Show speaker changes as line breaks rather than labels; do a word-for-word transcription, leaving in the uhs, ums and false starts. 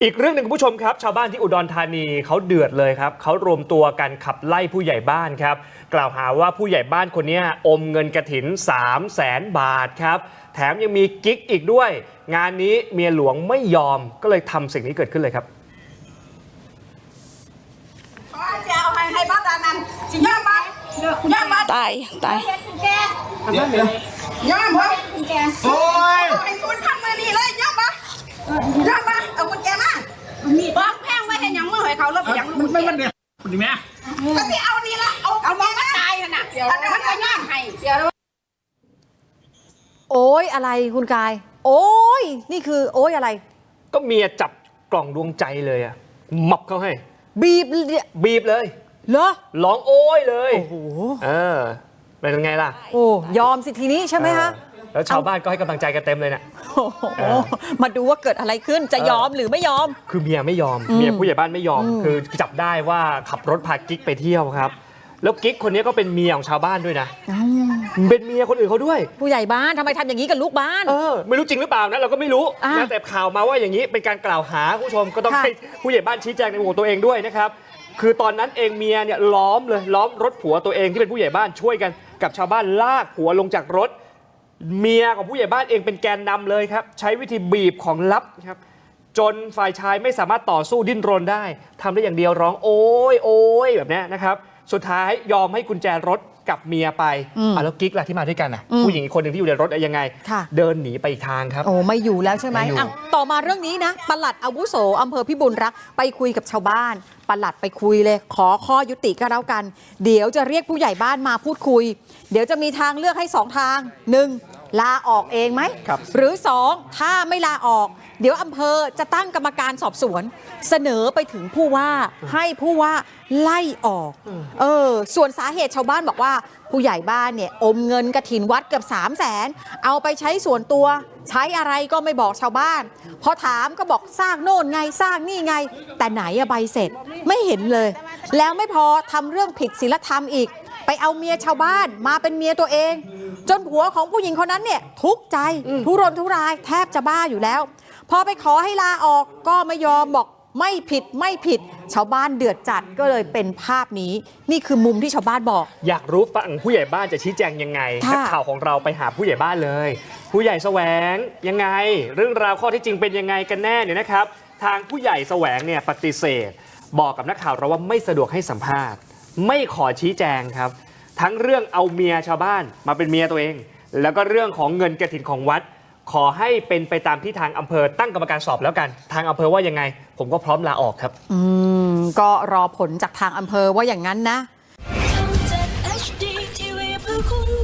อีกเรื่องหนึ่งคุณผู้ชมครับชาวบ้านที่อุดรธานีเขาเดือดเลยครับเขารวมตัวกันขับไล่ผู้ใหญ่บ้านครับกล่าวหาว่าผู้ใหญ่บ้านคนนี้อมเงินกฐิน สามแสน บาทครับแถมยังมีกิ๊กอีกด้วยงานนี้เมียหลวงไม่ยอมก็เลยทำสิ่งนี้เกิดขึ้นเลยครับ
จะเอาให้ให้บ้านนั้นสิยอมบ้านยอมบ้าน
ตายตาย
ยอมบ้านโอ้ยไอ้คุณทำมาดีเลยยอมบ้านยอมบ้านเอากุญแจมาบ้องแพงไว้ให้ยังมือให้เขาแล้วยัง
มันมันมันเนี่ยดีไหม
ก็ที่เอานี่ละเอาเอามองมาตายน่ะเดี๋ยวมันจะย่อมให้เดี๋ยว
โอ้ยอะไรคุณกายโอ้ยนี่คือโอ้ยอะไร
ก็เมียจับกล่องดวงใจเลยอะมับเขาให้
บีบ
บีบเลย
เหรอ
ร้องโอ้ยเลย
โอ้โห
เออเป็นไงล่ะ
โอ้ยอมสิทีนี้ใช่ไหมคะ
แล้วชาวบ้านก็ให้กำลังใจกันเต็มเลยนะ
มาดูว่าเกิดอะไรขึ้นจะยอมหรือไม่ยอม
คือเมียไม่ยอมเมียผู้ใหญ่บ้านไม่ยอมคือจับได้ว่าขับรถพากิ๊กไปเที่ยวครับแล้วกิ๊กคนนี้ก็เป็นเมียของชาวบ้านด้วยนะเป็นเมียคนอื่นเขาด้วย
ผู้ใหญ่บ้านทำไมทำอย่างนี้กับลูกบ้าน
เออไม่รู้จริงหรือเปล่านะเราก็ไม่รู้นะแต่ข่าวมาว่าอย่างนี้เป็นการกล่าวหาผู้ชมก็ต้องให้ผู้ใหญ่บ้านชี้แจงในมุมของตัวเองด้วยนะครับคือตอนนั้นเองเมียเนี่ยล้อมเลยล้อมรถผัวตัวเองที่เป็นผู้ใหญ่บ้านช่วยกันกับชาวบ้านลากผัวลงจากรถเมียของผู้ใหญ่บ้านเองเป็นแกนนำเลยครับใช้วิธีบีบของลับครับจนฝ่ายชายไม่สามารถต่อสู้ดิ้นรนได้ทำได้อย่างเดียวร้องโอ๊ยโอ๊ยแบบนี้นะครับสุดท้ายยอมให้กุญแจรถกับเมียไปอ่ะแล้วกิ๊กล่ะที่มาด้วยกันอ่ะผู้หญิงอีกคนหนึ่งที่อยู่ในรถยังไงเดินหนีไปอีกทางครับ
โอ้ไม่อยู่แล้วใช่ไหมอ่ะต่อมาเรื่องนี้นะปลัดอาวุโสอำเภอพิบูลรักษ์ไปคุยกับชาวบ้านปลัดไปคุยเลยขอข้อยุติก็แล้วกันเดี๋ยวจะเรียกผู้ใหญ่บ้านมาพูดคุยเดี๋ยวจะมีทางเลือกให้สองทางหนึ่งลาออกเองไหมหรือสองถ้าไม่ลาออกเดี๋ยวอำเภอจะตั้งกรรมการสอบสวนเสนอไปถึงผู้ว่าให้ผู้ว่าไล่ออกเออส่วนสาเหตุชาวบ้านบอกว่าผู้ใหญ่บ้านเนี่ยอมเงินกฐินวัดเกือบสามแสนเอาไปใช้ส่วนตัวใช้อะไรก็ไม่บอกชาวบ้านพอถามก็บอกสร้างโน่นไงสร้างนี่ไงแต่ไหนอะใบเสร็จไม่เห็นเลยแล้วไม่พอทำเรื่องผิดศีลธรรมอีกไปเอาเมียชาวบ้านมาเป็นเมียตัวเองจนผัวของผู้หญิงคนนั้นเนี่ยทุกข์ใจทุรนทุรายแทบจะบ้าอยู่แล้วพอไปขอให้ลาออกก็ไม่ยอมบอกไม่ผิดไม่ผิดชาวบ้านเดือดจัดก็เลยเป็นภาพนี้นี่คือมุมที่ชาวบ้านบอก
อยากรู้ฝั่งผู้ใหญ่บ้านจะชี้แจงยังไงนักข่าวของเราไปหาผู้ใหญ่บ้านเลยผู้ใหญ่แสวงยังไงเรื่องราวข้อที่จริงเป็นยังไงกันแน่เนี่ยนะครับทางผู้ใหญ่แสวงเนี่ยปฏิเสธบอกกับนักข่าวเราว่าไม่สะดวกให้สัมภาษณ์ไม่ขอชี้แจงครับทั้งเรื่องเอาเมียชาวบ้านมาเป็นเมียตัวเองแล้วก็เรื่องของเงินกฐินของวัดขอให้เป็นไปตามที่ทางอำเภอตั้งกรรมการสอบแล้วกันทางอำเภอว่ายังไงผมก็พร้อมลาออกครับ
อืมก็รอผลจากทางอำเภอว่าอย่างนั้นนะ